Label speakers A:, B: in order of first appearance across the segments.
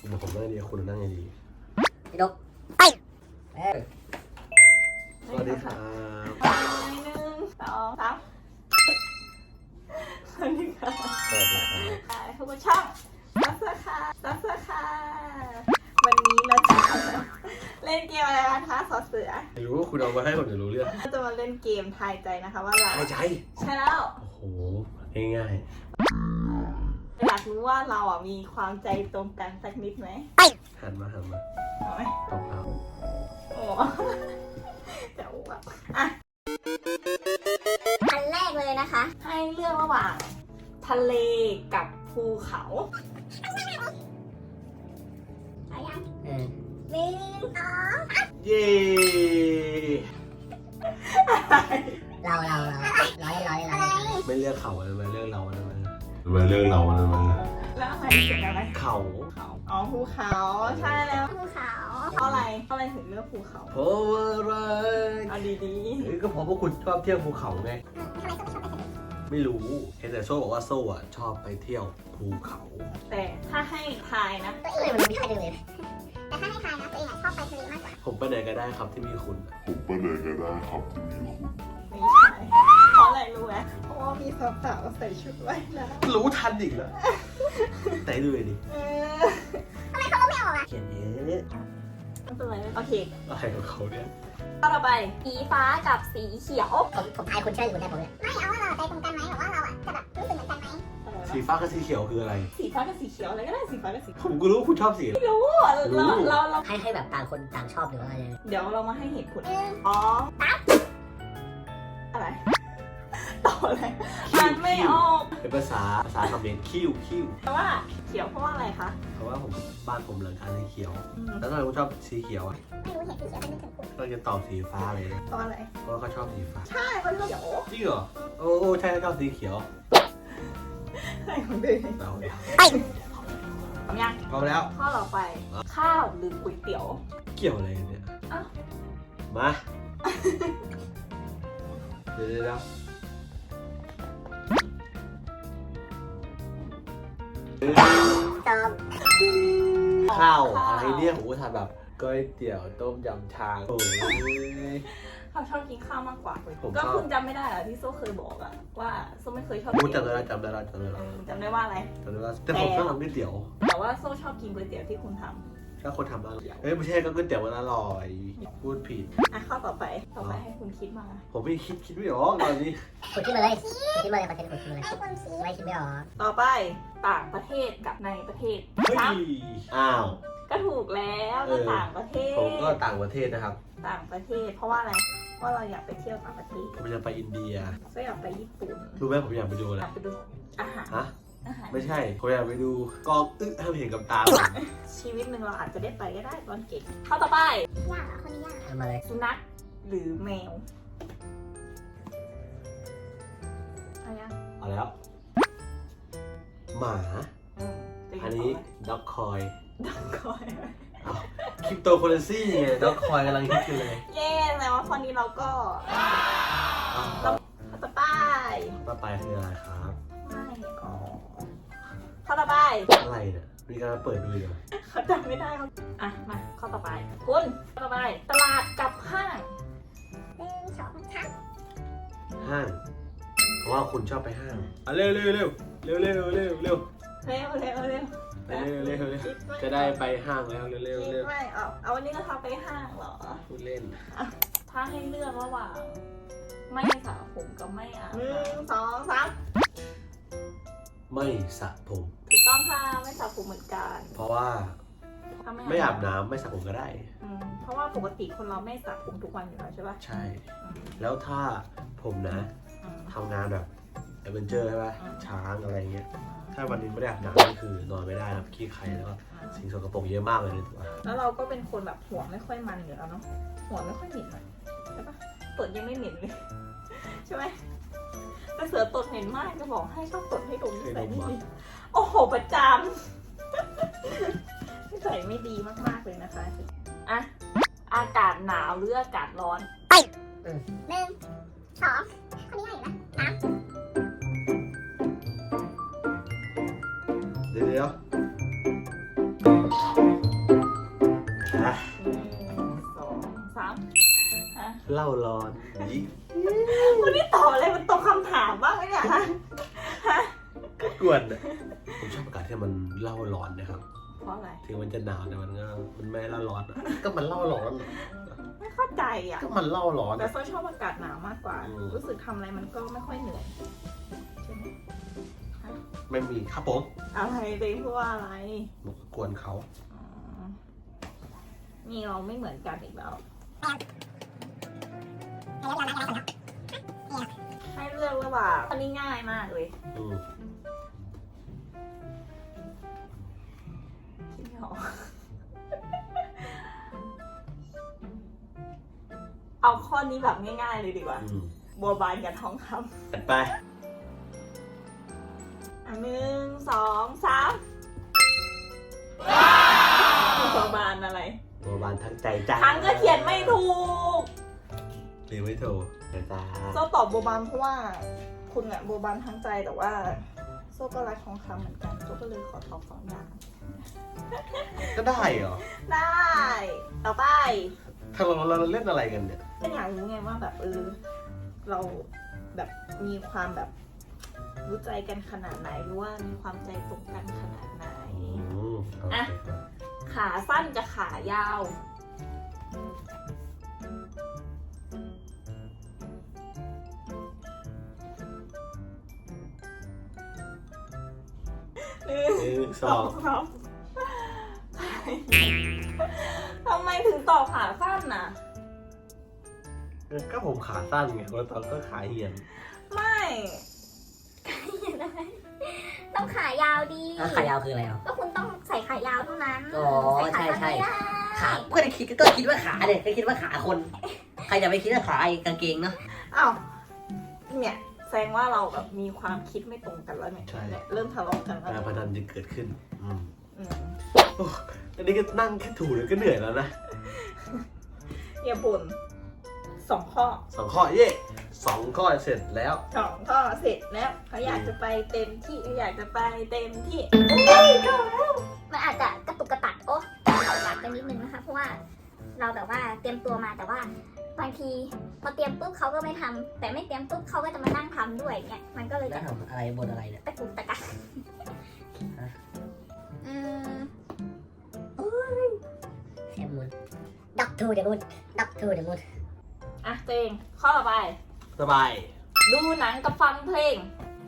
A: เดี๋ยวผมนั่งดีคุณนั่งไงดี
B: พี่ดกไป
A: สวัสดีครับ
C: 1 2 3สวัสดีค่ะ
A: สวัสดีครับ
C: ทุกคนช่องซับเสื้อค่ะวันนี้เราจะเล่นเกมอะไรกันคะสอเสือ
A: ไม่รู้ว่าคุณเอามาให้ผมจะรู้เรื่อง
C: เราจะมาเล่นเกมทายใจนะคะว่าเรา
A: ทายใจ
C: ใช่แล้ว
A: โอ้โหง่าย
C: อยากรู้ว่าเราอ่ะมีความใจตรงกันสักนิดไหม
A: หันมาเอาไหมตรงครับ
C: โอ้จะอ้วกอ่ะ
B: อันแรกเลยนะคะ
C: ให้เลือกระหว่างทะเลกับภูเขา
B: เอายัง1 2
A: เย้
B: เรา
A: ไม่เลือกเขาเลยมาเลือกเราเลยมาเลือกเราเลยมา
C: แล้วอะไรเป็นอะไร
A: เขา
C: อ๋อภูเขาใช่แล้ว
B: ภูเขา
C: เพราะอะไรถึงเลือกภูเขา
A: เพราะว่าอะไร
C: เอาดี
A: ๆก็เพราะว่าคุณชอบเที่ยวภูเขาไงไม่รู้เห็นแต่โซ่บอกว่าโซ่อะชอบไปเที่ยวภูเขา
C: แต่ถ้าให้ทายนะ
B: ตัวเองมันไม่ค่อยเลยแต่ถ้าให้ทายนะตัวเองชอบไปทะเลมากกว่า
A: ผมไปไหนก็ได้ครับที่มีคุณ
C: ไม่ใช่เพราะอะไรรู้ไหมเพราะว่ามีสาวๆใส่ชุดว่ายน้ำ
A: รู้ทันอีกแล้วแต่ดูดิ
B: ทำไมเขาไม่ออกอ่ะ
A: เขียนเยอะ
C: ไม่เป็นไรโอเค
A: อะไรของเขาเนี่ย
C: ต่อไปสีฟ้ากับสีเขียว
B: ผมทายคุณเชื่ออยู่ได้ผมเลยไม่เอาว่าเราใจตรงกันไหมหรือว่าเราอ่ะจะแบบรู้สึกเหมือนกันไหม
A: สีฟ้ากับสีเขียวคืออะไร
C: สีฟ้ากับสีเขียวอะไรก็ได้สีฟ้ากับสี
A: ผมก็รู้คุณชอบสี
C: ไม่รู้เรา
B: ให้แบบต่างคนต่างชอบหรือว่าอะไร
C: เดี๋ยวเรามาให้เหตุผลอ๋ออะไรต่ออะไรมันไม่ออก
A: เป็นภาษาคำเขมรคิ้ว
C: แต่ว่าเขียวเพราะว่าอะไรคะ
A: เพราะว่าบ้านผมหลังคาสีเขียวแล้วทำไมคุณชอบสีเขียวอ่ะ
B: ไม่รู้เห็นสีเขียวเป็นถึงคุณ
A: ก็จะตอบสีฟ้าเลยนะ
C: เพราะอะไร
A: เพราะเขาชอบสีฟ้า
C: ใช่เขาชอบเขียว
A: จริงเหรอโอ้ใช่ชอบสีเขียว
C: ใช่ของเด็ก
A: เรา
C: พร้อมยัง
A: พร้อมแล้ว
C: ข้อต่อไปข้าวหรือก๋วยเตี๋ยว
A: เกี่ยวอะไรเนี่ยมาเดี๋ยวข้าวอะไรเนี่ยผมก็ทำแบบก๋วยเตี๋ยวต้มยำชาโอ้ย
C: เขาชอบกินข้าวมากกว่าก็คุณจำไม่ได้เหรอที่โซ่เคยบอกอะว่าโซ่ไม่เคยชอบ
A: จำได้จำได้
C: ว่าอะไร
A: แต่ผมชอบทำก๋วยเตี๋ยว
C: แต่ว่าโซ่ชอบกินก๋วยเตี๋ยวที่คุณทำ
A: ถ้าคนทำอร่อยไม่ใช่ก็ก๋วยเตี๋ยวมันอร่อยพูดผิด
C: ข้อต่อไปให้คุณคิดมา
A: ผมไม่คิดไม่ออกตอนนี้
B: คุณคิดมาเลยประเทศคุณคิดมาเลยไม่คิดไม่ออก
C: ต่อไปต่างประเทศกับในประเทศ
A: อ้าว
C: ก็ถูกแล้วก็ต่างประเทศ
A: ผมก็ต่างประเทศนะครับ
C: ต่างประเทศเพราะว่าอะไรว่าเราอยากไปเที่ยวต่างประเทศ
A: ผมอยากไปอินเดีย
C: ก็อยากไปญี่ปุ่น
A: รู้ไหมผมอยากไปดูอะไร
C: อยากไปดูอาหาร
A: ไม่ใช่ผมอยากไปดูกองให้เห็นกับตา
C: ชีวิตหนึ่งเราอาจจะได้ไปก็ได้ตอนเก่งข้อต่อไป
B: ยากคนนี้ยากทำอะไร
C: สุนัขหรือแมว
A: เอาแล้วหมาอันนี้ด็อกคอยคริปโตเคอเรนซีไงด็อกคอยกำลังฮิตอยู่เลย
C: เย้แต่ว่าตอนนี้เราก็ต่อไป
A: คืออะไรครับ
C: ไม่ข้อต่อไป
A: อะไรเนี่ยมีการเปิดดูเหรอ
C: เขาจำไม่ได้เขามาข้อต่อไปคุณข้อต่อไปตลาดกับห้าง
B: 1 2 3
A: ห้างเพราะว่าคุณชอบไปห้างเร็วจะได้ไปห้างแล้วเร็ว
C: ไม่เอาวันนี้ก็ทำไปห้างเหรอ
A: พูดเล่น
C: ถ้าให้เลือกระหว่างไม่สระผมกับไม่อาบ1 2 3
A: ไม่สระผม
C: ถูกต้องค่ะไม่สระผมเหมือนกัน
A: เพราะว่าไม่อาบน้ำไม่สระผมก็ได้
C: เพราะว่าปกติคนเราไม่สระผมทุกวันอยู่แล้วใช่ปะ
A: ใช่แล้วถ้าผมนะทำงานแบบแอดเวนเจอร์ใช่ปะช้างอะไรเงี้ยถ้าวันนี้ไม่ได้อาบน้ำก็คือนอนไม่ได้นะขี้ไข่แล้วก็สิ่งสกปรกเยอะมากเลยถูกปะ
C: แล้วเราก็เป็นคนแบบหัวไม่ค่อยมันอยู่แล้วเนาะหัวไม่ค่อยเหม็นเลยใช่ปะตดยังไม่เหม็นเลยใช่ไหมแต่เสือตดเหม็นมากจะบอกให้ชอบตดให้ดมใส่นี่ดีโอ้โหประจำใส่ไม่ดีมากๆเลยนะคะอากาศหนาวหรืออากาศร้อน
B: ไป1 2คนนี้ไหนนะ
A: เดี๋ยวเล่าร้อนนี่
C: วันนี้ตอบอะไรมันตรงคำถามบ้างไหมเนี่ยฮะ
A: กวนอะผมชอบอากาศที่มันเล่าร้อนนะครับ
C: เพราะอะไร
A: ถึงมันจะหนาวแต่มันไม่เล่าร้อนอะก็มันเล่าร้อน
C: ไม่เข้าใจอ่ะ
A: ก็มันเล่าร้อน
C: แต่
A: อะ
C: โซชอบอากาศหนาวมากกว่า รู้สึกทำอะไรมันก็ไม่ค่อยเหนื่อยใช่ไหม
A: ไม่มีครับผม
C: อะไรเองพูดว่าอะไร
A: ผมก็กวนเขา
C: อ๋อนี่เราไม่เหมือนกันอีกแล้ว ให้เลือกระหว่างอันนี้ง่ายมากเลย
A: อืม
C: คิดไม่ออกเอาข้อนี้แบบง่ายๆเลยดีกว่า
A: อืม
C: บัวบานกับทองค
A: จัดไป
C: ำอันหนึ่งสองสามบัวบานอะไร
A: บัวบานทั้งใจจ้า
C: ทั้งก็เขียนไม่ถูก
A: หรือไม่ถูกจ้า
C: โซ่ตอบบัวบานเพราะว่า คุณอะบัวบานทั้งใจแต่ว่าโซ่ก็รักทองคำเหมือนกันโซ่ก็เลยขอตอบสองอย่าง
A: ก็ได้เหรอ
C: ได้ ต่อไป
A: ถ้าเราเล่นอะไรกันเนี่ย
C: ก็อยากรู้ไงว่าแบบเราแบบมีความแบบรู้ใจกันขนาดไหนหรือว่ามีความใจตรงกันขนาดไหน
A: โอเค
C: ขาสั้นกับขายาว
A: 1 2
C: ครับทำไมถึงตอบขาสั้นน่ะ
A: ก็ผมขาสั้นไงคนตอนก็ขาเหี่ยน
C: ไม่
B: ต้องขายาวดี
D: แล้วขายาวคืออะไรอ่ะ
B: ก็คุณต้องใส่ขายาวเท่านั้น
D: อ๋อ
B: ใส่ขาสั้น
D: ใช่
B: ไม่ได้
D: ขาก็คิดว่าขาเนี่ยก็คิดว่าขาคน ใครจะไปคิดว่าขาไอ้กางเกงเนาะ
C: อ้าวเนี่ยแสดงว่าเราแบบมีความคิดไม่ตรงกันแล้วเนี่ย
A: ใช่
C: เนี่ยเริ่มทะเลาะกันแล้ว
A: การพนันจะเกิดขึ้น
C: อืม
A: โอ้อันนี้ก็นั่งแค่ถูเลยก็เหนื่อยแล้วนะ
C: อย่าบ่น2 ข้อ
A: 2 ข้อเย่2 ข้อเสร็จแล้ว
C: 2 ข้อเสร็จแล้วเขาอยากจะไปเต็มที่เขาอยากจะไปเต็มที่
B: มันอาจจะกระตุกกระตักตักไปนิดนึงนะคะเพราะว่าเราแบบว่าเตรียมตัวมาแต่ว่าบางทีพอเตรียมปุ๊บเขาก็ไม่ทำแต่ไม่เตรียมปุ๊บเขาก็จะมานั่งทำด้วยเนี่ยมันก็เลย
D: แล้
B: จะ
D: วทำอะไรบนอะไรเนี่ย
B: ตะกุกตะกัก
D: แค่มูนด็อกทูเดมูนด็อกทูเดมูน
C: อ่ะตัวเองข้อต่อไป
A: สบาย
C: ดูหนังกับฟังเพลง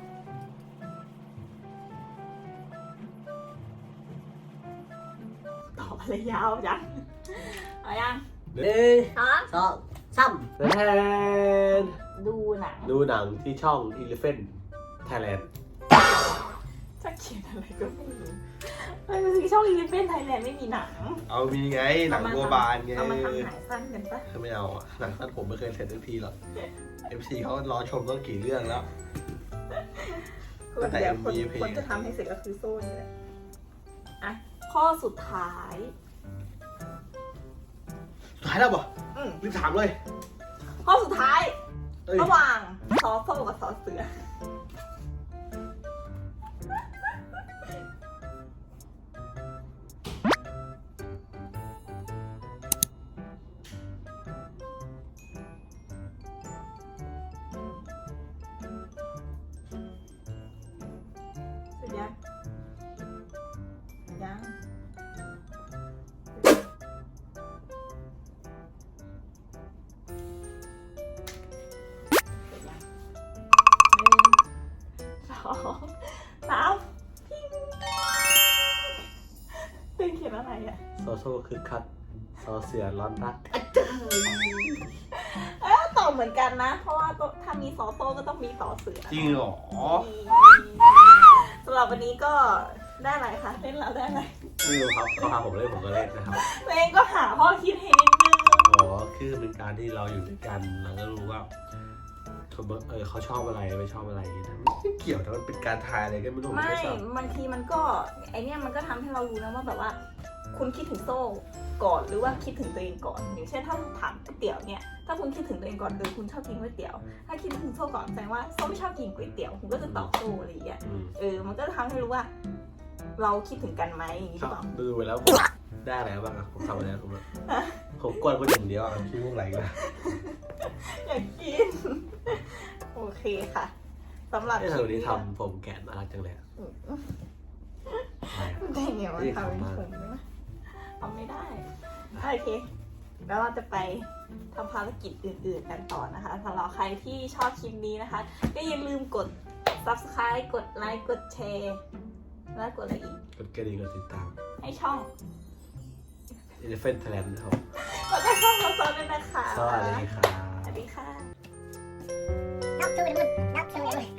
C: ตอบอะไรยาวจังเอายัง
D: 1 2 3
A: แทน
C: ดูหนัง
A: ดูหนังที่ช่อง Elephant Thailand
C: จะเขียนอะไรก็ไม่รู้ไม่รู้สิช่องอีลิฟเฟนไทยแลนด์ไม่มีหนัง
A: เอามีไงหนังบัวบานไง
C: เอามาทำหนังสั้นกันปะ
A: ไม่เอาอะหนังสั้นผมไม่เคยเสร็จสักทีหรอก FC เขารอชมต้องกี่เรื่องแล้ว แต่
C: เดี๋ยว
A: MV เพลง
C: คนจะทำให้เสร็จก็คือโซ่นี่แหละอ่ะข้อสุดท้าย
A: สุดท้ายแล้วบ่
C: อืม
A: รีบถามเลย
C: ข้อสุดท้าย
A: เอ้ย
C: ระหว่างซอโซ่กับซอเสือ เสร็จยังยังเสร็จยัง1 2 3พิ้งเป็นเขียนอะไรอ่ะ
A: โซโซ่คือคัดซอเสือร้อนรัก
C: ตอบเหมือนกันนะ เพราะว่าถ้ามีซอโซ่ก็ต้องมีต่อเสือ
A: จริงเหรอ
C: สำหรับวันนี้ก็ได้อะไรคะเล่นแล้วได้อะไร
A: ไม่รู้ครับเขาพาผมเล่นผมก็เล่นนะครับ
C: ตัวเองก็หาข้อคิดให้นิดนึง
A: อ๋อคือเป็นการที่เราอยู่ด้วยกันเราก็รู้ว่าเขาชอบอะไรไม่ชอบอะไรอย่างเงี้ยนะไม่เกี่ยวแต่มันเป็นการทายอะไรก็ไม่รู้
C: ไม่
A: ชอบบ
C: างทีมันก็ไอเนี้ยมันก็ทำให้เรารู้นะว่าแบบว่า คุณคิดถึงโซ่ก่อนหรือว่าคิดถึงตัวเองก่อนอย่างเช่นถ้าถามก๋วยเตี๋ยวเนี่ยถ้าคุณคิดถึงตัวเองก่อนคือคุณชอบกินก๋วยเตี๋ยวถ้าคิดถึงโซ่ก่อนแสดงว่าโซ่ไม่ชอบกินก๋วยเตี๋ยวคุณก็จะตอบโซ่อะไรอย่างเงี้ย
A: อืม
C: มันก็ทำให้รู้ว่า เราคิดถึงกันไหมอย่างนี้หรือเปล่า
A: ดูไปแล้วได้อะไรบ้างอะผมทำอะไรผมกวนคนอย่างเดียวอะขี้มุกไหลกัน
C: อยากกิน โอเคค่ะสำหรับ
A: ไอ้เธอวันนี้ทำผมแกะน่ารักจังเลยอะ
C: ได้ไงวะทำเป็นผมได้ไหมทำไม่ได้ โอเค แล้วเราจะไปทำภารกิจอื่นๆกันต่อนะคะสำหรับใครที่ชอบคลิปนี้นะคะ ก็อย่าลืมกด subscribe กดไลค์กดแชร์แล้วกดอะไรอีก
A: กดกระดิ่งกดติดตาม
C: ให้ช่อง
A: Elephant Thailand นะครับ
C: แล้วก็ช่องเราด้วยนะคะ
A: สวัสดีครับ
C: สวัสดีค่ะ
B: นับชูเลยมึงนับชูเลย